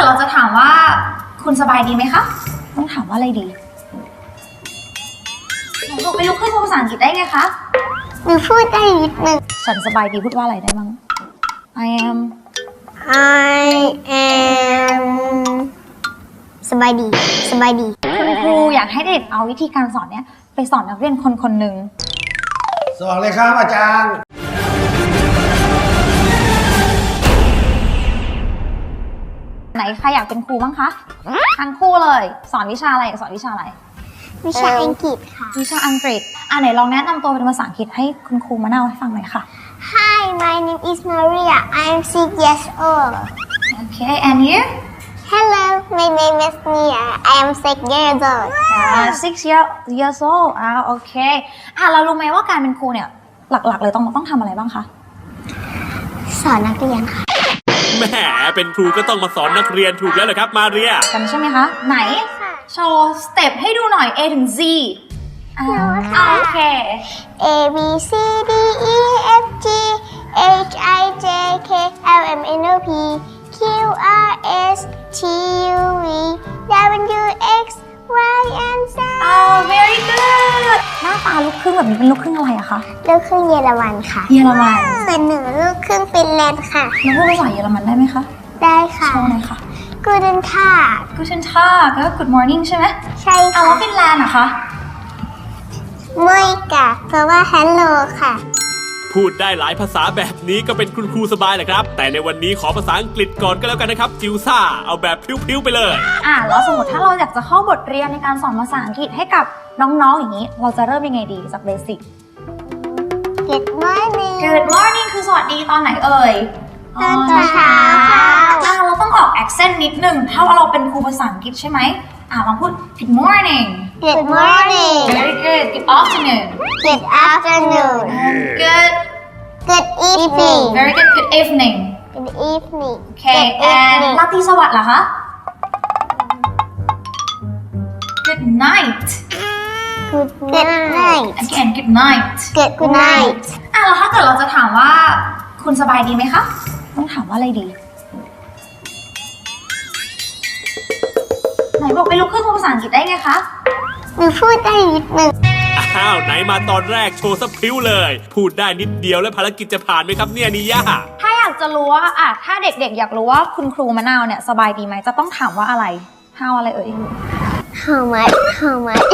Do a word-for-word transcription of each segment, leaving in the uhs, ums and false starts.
เราจะถามว่าคุณสบายดีไหมคะต้องถามว่าอะไรดีหนูบอกไม่รู้ขึ้นภาษาอังกฤษได้ไงคะหนูพูดได้นิดนึงฉันสบายดีพูดว่าอะไรได้บ้าง I am I am สบายดีสบายดีคุณครูอยากให้เด็กเอาวิธีการสอนเนี้ยไปสอนนักเรียนคนคนหนึ่งสอนเลยครับอาจารย์ไหนใครอยากเป็นครูบ้างคะทั้งคู่เลยสอนวิชาอะไรสอนวิชาอะไรวิชาอังกฤษค่ะวิชาอังกฤษอ่ะไหนลองแนะนำตัวเป็นภาษาอังกฤษให้คุณครูมาเล่าให้ฟังหน่อยค่ะ Hi my name is Maria I'm six years old Okay and you Hello my name is Nia I am six years old ah six year years old อ่าโอเคอ่ะเรารู้ไหมว่าการเป็นครูเนี่ยหลักๆเลยต้องต้องทำอะไรบ้างคะสอนนักเรียนค่ะแหมเป็นครูก็ต้องมาสอนนักเรียนถูกแล้วเหรอครับมาเรียกันใช่ไหมคะไหนโชว์สเต็ปให้ดูหน่อย A ถึง Z อ่าโอเค A B C D E F G H I J K L M N O P Q R S T U V W X Y and Z อ๋อ very good หน้าตาลูกครึ่งแบบนี้เป็นลูกครึ่งอะไรอะคะลูกครึ่งเยอรมันค่ะเยอรมันส่วนหนูลูกครึ่งฟินแลนด์ค่ะแล้วพูดภาษาเยอรมันได้ไหมคะได้ค่ะโชว์หน่อยค่ะ Guten Tag Guten Tag ก็ Good morning ใช่ไหมใช่ค่ะแล้วฟินแลนด์อะคะไม่กะเพราะว่า Hello ค่ะพูดได้หลายภาษาแบบนี้ก็เป็นคุณครูสบายแหละครับแต่ในวันนี้ขอภาษาอังกฤษก่อนก็แล้วกันนะครับจิวซ่าเอาแบบพริ้วๆไปเลยอ่ะแล้วสมมติถ้าเราอยากจะเข้าบทเรียนในการสอนภาษาอังกฤษให้กับน้องๆอย่างนี้เราจะเริ่มยังไงดีจากเบสิก Good morning Good morning คือสวัสดีตอนไหนเอ่ยตอนเช้าอ่ะเราต้องออก accent นิดนึงถ้าเราเป็นครูภาษาอังกฤษใช่ไหมอ่ะลองพูด Good morning Good morning Very good Good afternoon Good afternoon Good Good evening Very good Good evening Good evening Okay and ราตรีสวัสดิ์เหรอคะ Good night Good night Again Good night Good night อ่ะแล้วถ้าเกิดเราจะถามว่าคุณสบายดีไหมคะต้องถามว่าอะไรดีไหนบอกไม่รู้ขึ้นภาษาอังกฤษได้ไงคะหนูพูดได้นิดนึงอ้าวไหนมาตอนแรกโชว์สพริ้วเลยพูดได้นิดเดียวแล้วภารกิจจะผ่านไหมครับเนี่ยนิย่าถ้าอยากจะรู้ว่าอ่ะถ้าเด็กๆอยากรู้ว่าคุณครูมะนาวเนี่ยสบายดีไหมจะต้องถามว่าอะไร how อะไรเอ่ย How much How much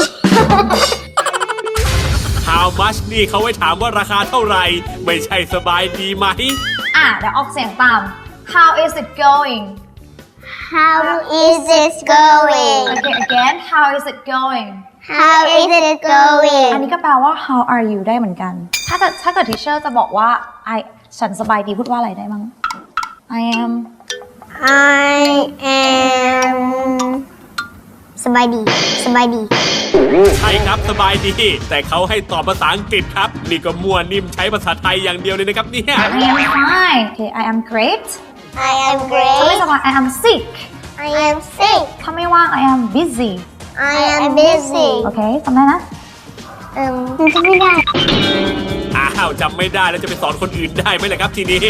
How much นี่เขาไว้ถามว่าราคาเท่าไหร่ไม่ใช่สบายดีไหมอ่ะเดี๋ยวออกเสียงตาม How is it going How is it going Okay again How is it going How is it going อันนี้ก็แปลว่า How are you ได้เหมือนกัน ถ้าเกิดถ้าเกิด teacher จะบอกว่า I ฉันสบายดีพูดว่าอะไรได้บ้าง I am I am สบายดีสบายดีใช่ครับสบายดีแต่เขาให้ตอบภาษาอังกฤษครับนี่ก็มั่วนิ่มใช้ภาษาไทยอย่างเดียวเลยนะครับเนี่ย I am fine Okay I am great I am great ถ้าไม่สบาย I am sick I am sick ถ้าไม่ว่าง I am busy I am busy โอเคจำได้นะเอิ่มจำไม่ได้อ้าวจำไม่ได้แล้วจะไปสอนคนอื่นได้ไหมล่ะครับทีนี้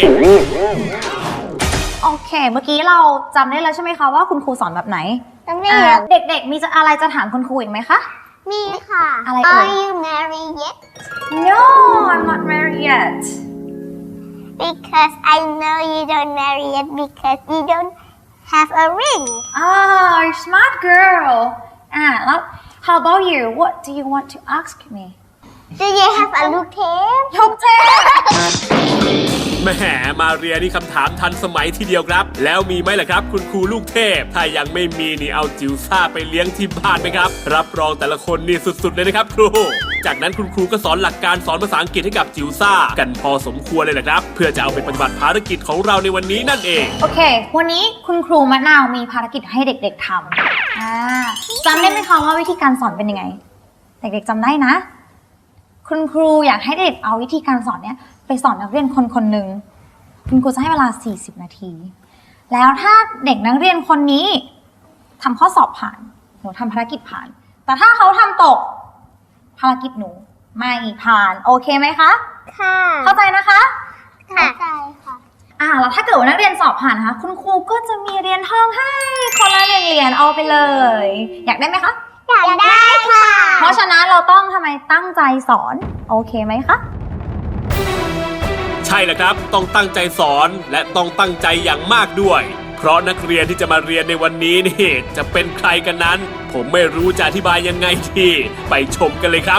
โอเคเมื่อกี้เราจำได้แล้วใช่ไหมคะว่าคุณครูสอนแบบไหนจำได้แล้วเด็กๆมีจะอะไรจะถามคุณครูอีกไหมคะมีค่ะอะไรเอ่ย Are you married yet No I'm not married yet Because I know you don't marry yet because you don't have a ring Oh you're smart girl อ่ะแล้ว How about you What do you want to ask me Do you have a ลูกเทพลูกเทพแหมมาเรียนี่คำถามทันสมัยทีเดียวครับแล้วมีไหมล่ะครับคุณครูลูกเทพถ้ายังไม่มีนี่เอาจิ๋วซ่าไปเลี้ยงที่บ้านไหมครับรับรองแต่ละคนนี่สุดๆเลยนะครับครูจากนั้นคุณครูก็สอนหลักการสอนภาษาอังกฤษให้กับจิ๋วซ่ากันพอสมควรเลยนะครับเพื่อจะเอาไปปฏิบัติภารกิจของเราในวันนี้นั่นเองโอเควันนี้คุณครูมะนาวมีภารกิจให้เด็กๆทำอ่าจำได้ไหมคะว่าวิธีการสอนเป็นยังไงเด็กๆจำได้นะคุณครูอยากให้เด็กเอาวิธีการสอนเนี้ยไปสอนนักเรียนคนคนหนึ่งคุณครูจะให้เวลาสี่สิบนาทีแล้วถ้าเด็กนักเรียนคนนี้ทำข้อสอบผ่านหนูทำภารกิจผ่านแต่ถ้าเขาทำตกภารกิจหนูไม่ผ่านโอเคไหมคะค่ะเข้าใจนะคะเข้าใจค่ะอ่าแล้วถ้าเกิดว่านักเรียนสอบผ่านนะคะคุณครูก็จะมีเหรียญทองให้คนละหนึ่งเหรียญเอาไปเลย อยากได้ไหมคะอยากได้ค่ะเพราะฉะนั้นเราต้องทำไมตั้งใจสอนโอเคไหมคะใช่แล้วครับ ต้องตั้งใจสอนและต้องตั้งใจอย่างมากด้วย เพราะนักเรียนที่จะมาเรียนในวันนี้นี่จะเป็นใครกันนั้น ผมไม่รู้จะอธิบายยังไงดีไปชมกันเลยครับ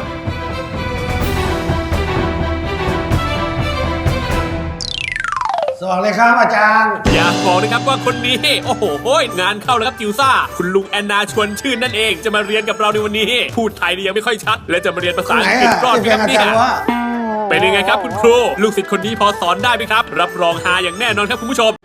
สวัสดีครับอาจารย์อยากบอกนะครับว่าคนนี้ โอ้โหงานเข้าแล้วครับจิวซ่า คุณลุงแอนนาชวนชื่นนั่นเองจะมาเรียนกับเราในวันนี้ พูดไทยนี่ยังไม่ค่อยชัด และจะมาเรียนภาษาไหนอังกฤษอ่ะรอดที่ไหมเป็นครับอาเนี่ยจารย์ว่าเป็นยังไงครับคุณครู ลูกศิษย์คนนี้พอสอนได้ไหมครับ รับรองฮาอย่างแน่นอนครับคุณผู้ชม